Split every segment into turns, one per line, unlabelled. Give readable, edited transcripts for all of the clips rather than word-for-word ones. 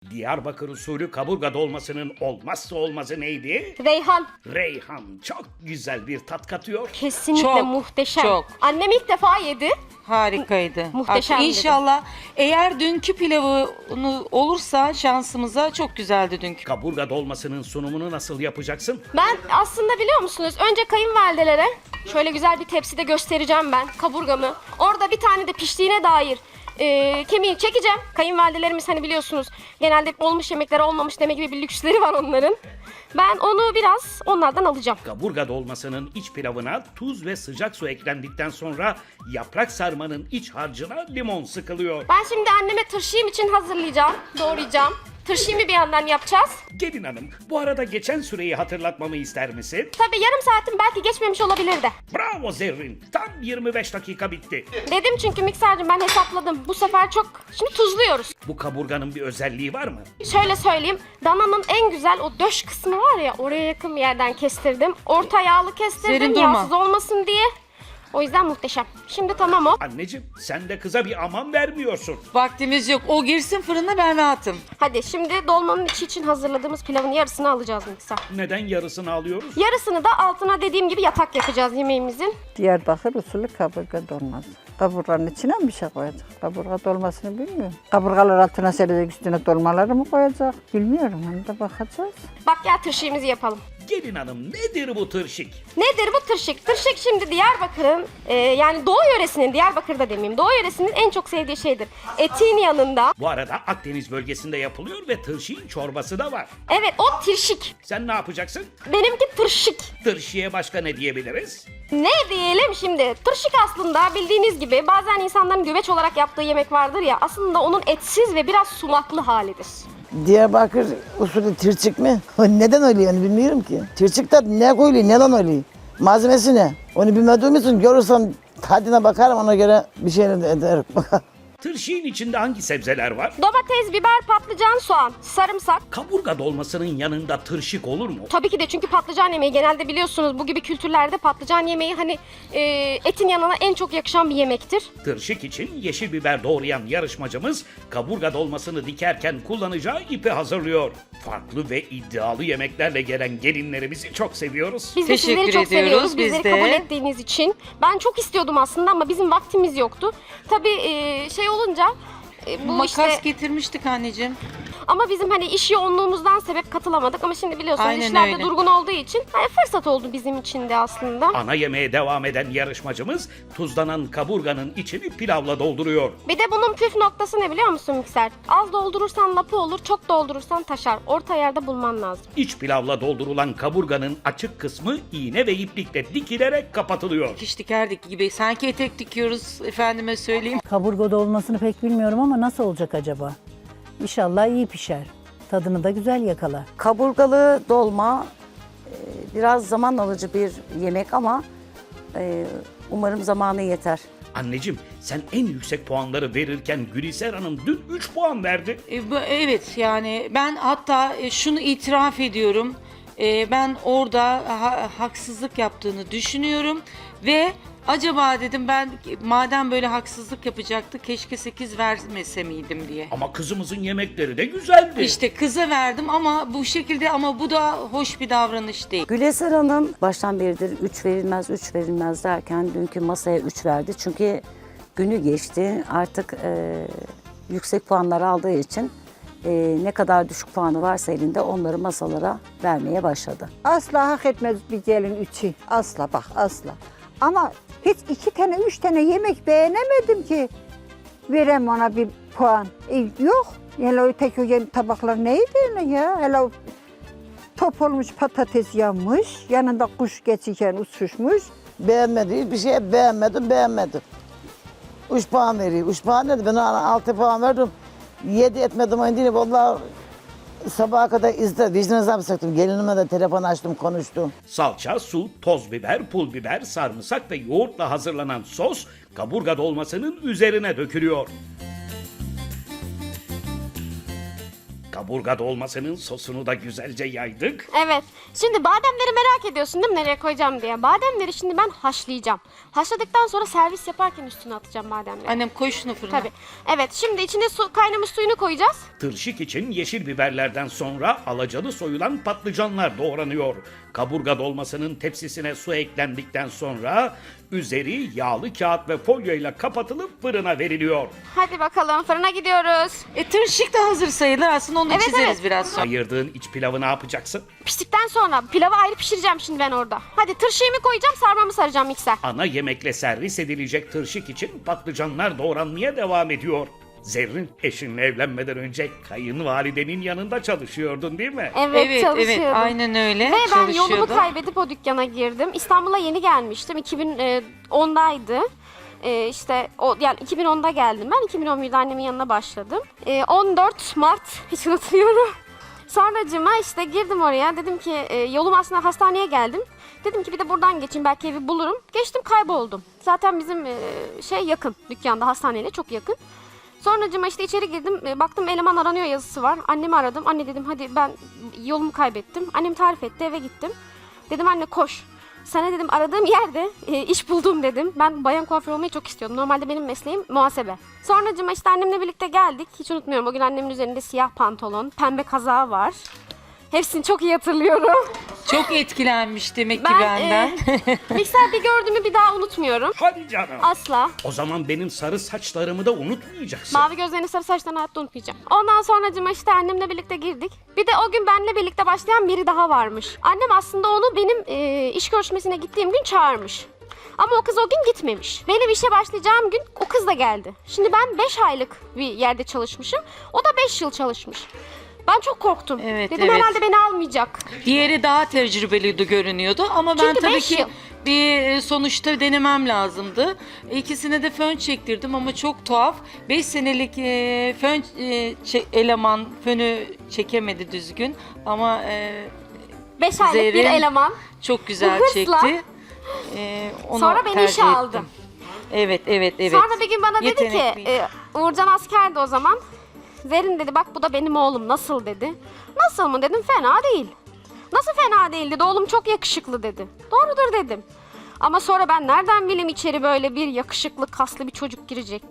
Diyarbakır usulü kaburga dolmasının olmazsa olmazı neydi?
Reyhan.
Reyhan çok güzel bir tat katıyor.
Kesinlikle
Çok,
muhteşem.
çok.
Annem ilk defa yedi.
Harikaydı.
Muhteşemdi.
İnşallah eğer dünkü pilavı olursa şansımıza çok güzeldi dünkü.
Kaburga dolmasının sunumunu nasıl yapacaksın?
Ben aslında biliyor musunuz önce kayınvalidelere şöyle güzel bir tepside göstereceğim ben kaburgamı. Orada bir tane de piştiğine dair kemiği çekeceğim. Kayınvalidelerimiz hani biliyorsunuz genelde olmuş yemekler olmamış demek gibi bir lüksleri var onların. Ben onu biraz onlardan alacağım.
Kaburga dolmasının iç pilavına tuz ve sıcak su eklendikten sonra yaprak sarmanın iç harcına limon sıkılıyor.
Ben şimdi anneme tırşıyım için hazırlayacağım, doğrayacağım. Tırşıyımı bir yandan yapacağız.
Gelin hanım, bu arada geçen süreyi hatırlatmamı ister misin?
Tabii yarım saatim belki geçmemiş olabilir de.
Bravo Zerrin, tam 25 dakika bitti.
Dedim çünkü miksercim ben hesapladım. Bu sefer çok... Şimdi tuzluyoruz.
Bu kaburganın bir özelliği var mı?
Şöyle söyleyeyim. Dananın en güzel o döş kısmı var ya oraya yakın bir yerden kestirdim. Orta yağlı kestirdim
Serin durma.
yağsız olmasın diye. O yüzden muhteşem. Şimdi tamam o.
Anneciğim, sen de kıza bir aman vermiyorsun.
Vaktimiz yok. O girsin fırına, ben rahatım.
Hadi şimdi dolmanın içi için hazırladığımız pilavın yarısını alacağız mikser.
Neden yarısını alıyoruz?
Yarısını da altına dediğim gibi yatak yapacağız yemeğimizin.
Diyarbakır usulü kaburga dolması. Kaburganın içine mi bir şey koyacak? Kaburga dolmasını bilmiyorum. Kaburgalar altına serecek, üstüne dolmaları mı koyacak? Bilmiyorum, onu da bakacağız.
Bak gel tırşığımızı yapalım.
Gelin hanım, nedir bu tırşık?
Nedir bu tırşık? Tırşık şimdi Diyarbakır'ın yani Doğu yöresinin, Diyarbakır'da demeyeyim, Doğu yöresinin en çok sevdiği şeydir. Etin yanında.
Bu arada Akdeniz bölgesinde yapılıyor ve tırşığın çorbası da var.
Evet o tirşik.
Sen ne yapacaksın?
Benimki tırşık.
Tırşıya başka ne diyebiliriz?
Ne diyelim şimdi? Tırşık aslında bildiğiniz gibi bazen insanların güveç olarak yaptığı yemek vardır ya. Aslında onun etsiz ve biraz sumaklı halidir.
Diyarbakır usulü tirçik mi? Neden öyle yani bilmiyorum ki. Tirçikte ne koyuluyor, neden öyle? Malzemesi ne? Onu bilmediğim için görürsem tadına bakarım, ona göre bir şey ederim.
Tırşığın içinde hangi sebzeler var?
Domates, biber, patlıcan, soğan, sarımsak.
Kaburga dolmasının yanında tırşık olur mu?
Tabii ki de çünkü patlıcan yemeği genelde biliyorsunuz bu gibi kültürlerde patlıcan yemeği hani etin yanına en çok yakışan bir yemektir.
Tırşık için yeşil biber doğrayan yarışmacımız kaburga dolmasını dikerken kullanacağı ipi hazırlıyor. Farklı ve iddialı yemeklerle gelen gelinlerimizi çok seviyoruz.
Biz de
Teşekkür
sizleri çok
ediyoruz,
seviyoruz.
biz
Bizleri
de.
kabul ettiğiniz için. Ben çok istiyordum aslında ama bizim vaktimiz yoktu. Tabii şey olunca bu
Makas
işte
getirmiştik anneciğim.
ama bizim hani iş yoğunluğumuzdan sebep katılamadık ama şimdi biliyorsunuz
Aynen
işlerde
öyle.
durgun olduğu için hani fırsat oldu bizim için de aslında.
Ana yemeğe devam eden yarışmacımız tuzlanan kaburganın içini pilavla dolduruyor.
Bir de bunun püf noktası ne biliyor musun mikser? Az doldurursan lapı olur, çok doldurursan taşar. Orta yerde bulman lazım.
İç pilavla doldurulan kaburganın açık kısmı iğne ve iplikle dikilerek kapatılıyor.
Dikiş dikerdik gibi. Sanki etek dikiyoruz, efendime söyleyeyim.
Kaburga dolmasını pek bilmiyorum ama nasıl olacak acaba? İnşallah iyi pişer. Tadını da güzel yakalar.
Kaburgalı dolma biraz zaman alıcı bir yemek ama umarım zamanı yeter.
Anneciğim, sen en yüksek puanları verirken Gülizar Hanım dün 3 puan verdi.
Evet yani ben hatta şunu itiraf ediyorum. Ben orada haksızlık yaptığını düşünüyorum ve acaba dedim ben madem böyle haksızlık yapacaktı keşke 8 vermese miydim diye.
Ama kızımızın yemekleri de güzeldi.
İşte kıza verdim ama bu şekilde, ama bu da hoş bir davranış değil.
Güleser Hanım baştan beridir 3 verilmez, 3 verilmez derken dünkü masaya 3 verdi. Çünkü günü geçti. Artık yüksek puanlar aldığı için ne kadar düşük puanı varsa elinde onları masalara vermeye başladı.
Asla hak etmez bir gelin üçü. Asla bak, asla. Ama hiç 2 tane, 3 tane yemek beğenemedim ki verem ona bir puan. Yok. Hele o tek o tabaklar neydi öyle ya? Hele o top olmuş patates yanmış, yanında kuş geçirken uçuşmuş.
Beğenmedi, bir şey beğenmedim. 3 puan veriyor. 3 puan dedi, ben ona 6 puan verdim. 7 etmedim oyun değil. Vallahi sabaha kadar vicdan azabı çektim. Gelinime de telefon açtım, konuştum.
Salça, su, toz biber, pul biber, sarımsak ve yoğurtla hazırlanan sos kaburga dolmasının üzerine dökülüyor. Kaburga dolmasının sosunu da güzelce yaydık.
Evet. Şimdi bademleri merak ediyorsun değil mi nereye koyacağım diye. Bademleri şimdi ben haşlayacağım. Haşladıktan sonra servis yaparken üstüne atacağım bademleri.
Annem koy şunu fırına.
Tabii. Evet, şimdi içine kaynamış suyunu koyacağız.
Tırşık için yeşil biberlerden sonra alacalı soyulan patlıcanlar doğranıyor. Kaburga dolmasının tepsisine su eklendikten sonra üzeri yağlı kağıt ve folyoyla kapatılıp fırına veriliyor.
Hadi bakalım fırına gidiyoruz.
Tırşık da hazır sayılır. Aslında onu
Evet,
çizeriz
evet.
biraz sonra.
Ayırdığın iç pilavı ne yapacaksın?
Piştikten sonra pilavı ayrı pişireceğim şimdi ben orada. Hadi tırşığımı koyacağım, sarmamı saracağım mikser.
Ana yemekle servis edilecek tırşık için patlıcanlar doğranmaya devam ediyor. Zerrin, eşinle evlenmeden önce kayınvalidenin yanında çalışıyordun değil mi?
Evet, çalışıyordum.
aynen öyle.
Ve ben yolumu
Çalışıyordu.
kaybedip o dükkana girdim. İstanbul'a yeni gelmiştim. 2010'daydı. İşte yani 2010'da geldim ben. 2011'de annemin yanına başladım. 14 Mart hiç unutmuyorum. Sonracıma işte girdim oraya. Dedim ki yolum aslında hastaneye geldim. Dedim ki bir de buradan geçeyim belki evi bulurum. Geçtim kayboldum. Zaten bizim şey yakın dükkanda hastaneyle çok yakın. Sonracıma işte içeri girdim. Baktım eleman aranıyor yazısı var. Annemi aradım. Anne dedim hadi ben yolumu kaybettim. Annem tarif etti eve gittim. Dedim anne koş. Sana dedim aradığım yerde iş buldum dedim. Ben bayan kuaför olmayı çok istiyordum. Normalde benim mesleğim muhasebe. Sonracıma işte annemle birlikte geldik. Hiç unutmuyorum o gün annemin üzerinde siyah pantolon, pembe kazağı var. Hepsini çok iyi hatırlıyorum.
Çok etkilenmiş demek ki
Ben
benden.
mikser bir gördüğümü bir daha unutmuyorum.
Hadi canım.
Asla.
O zaman benim sarı saçlarımı da unutmayacaksın.
Mavi gözlerini, sarı saçlarını hayatta unutmayacağım. Ondan sonracıma işte annemle birlikte girdik. Bir de o gün benimle birlikte başlayan biri daha varmış. Annem aslında onu benim iş görüşmesine gittiğim gün çağırmış. Ama o kız o gün gitmemiş. Benim işe başlayacağım gün o kız da geldi. Şimdi ben 5 aylık bir yerde çalışmışım. O da 5 yıl çalışmış. Ben çok korktum.
Evet,
Dedim
evet.
herhalde beni almayacak.
Diğeri daha tecrübeli görünüyordu ama ben
Çünkü
tabii
5
ki
yıl.
bir sonuçta denemem lazımdı. İkisine de fön çektirdim ama çok tuhaf. 5 senelik fön eleman fönü çekemedi düzgün ama
5 aylık bir
Zerrin
eleman.
çok güzel
Hırsla.
çekti. Onu
Sonra beni
tercih
işe
ettim.
aldı.
Evet.
Sonra bir gün bana dedi ki
Yetenekliyim.
Uğurcan askerdi o zaman. Zerrin dedi bak bu da benim oğlum nasıl dedi. Nasıl mı dedim fena değil. Nasıl fena değil dedi oğlum çok yakışıklı dedi. Doğrudur dedim. Ama sonra ben nereden bileyim içeri böyle bir yakışıklı kaslı bir çocuk girecek.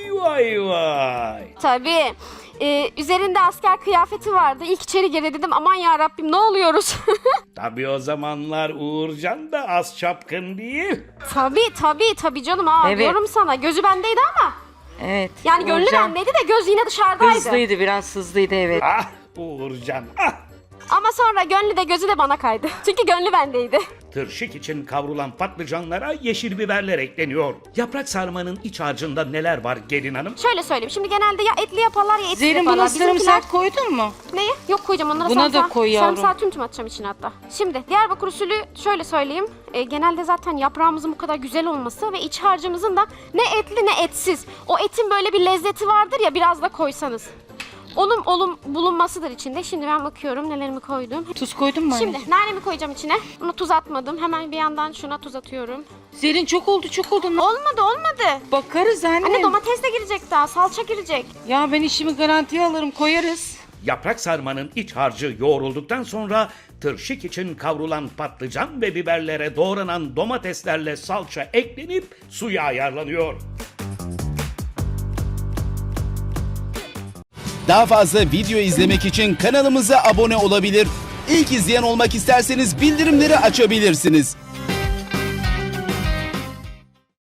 Vay.
Tabii üzerinde asker kıyafeti vardı. İlk içeri girdi dedim aman ya Rabbim ne oluyoruz?
Tabii o zamanlar Uğurcan da az çapkın değil.
Tabii canım ha
Evet.
diyorum sana gözü bendeydi ama.
Evet.
Yani gönlü
Uğurcan
bendeydi de göz yine dışarıdaydı.
hızlıydı, biraz hızlıydı evet.
Ah Uğurcan ah.
Ama sonra gönlü de gözü de bana kaydı. Çünkü gönlü bendeydi.
Tırşık için kavrulan patlıcanlara yeşil biberler ekleniyor. Yaprak sarmanın iç harcında neler var gelin hanım?
Şöyle söyleyeyim. Şimdi genelde ya etli yaparlar ya etsiz
Zerrin
yaparlar.
buna sarımsak koydun mu?
Neye? Yok koyacağım onlara
Buna da
sarımsağı.
koy yavrum.
Sarımsağı tüm atacağım içine hatta. Şimdi Diyarbakır usulü şöyle söyleyeyim. Genelde zaten yaprağımızın bu kadar güzel olması ve iç harcımızın da ne etli ne etsiz. O etin böyle bir lezzeti vardır ya biraz da koysanız. Onun bulunmasıdır içinde. Şimdi ben bakıyorum nelerimi koydum.
Tuz koydun mu
Şimdi
anneciğim?
nanemi koyacağım içine. Buna tuz atmadım. Hemen bir yandan şuna tuz atıyorum.
Zerrin çok oldu.
Olmadı.
Bakarız anne.
Anne domates de girecek daha. Salça girecek.
Ya ben işimi garantiye alırım, koyarız.
Yaprak sarmanın iç harcı yoğrulduktan sonra tırşık için kavrulan patlıcan ve biberlere doğranan domateslerle salça eklenip suya ayarlanıyor.
Daha fazla video izlemek için kanalımıza abone olabilir. İlk izleyen olmak isterseniz bildirimleri açabilirsiniz.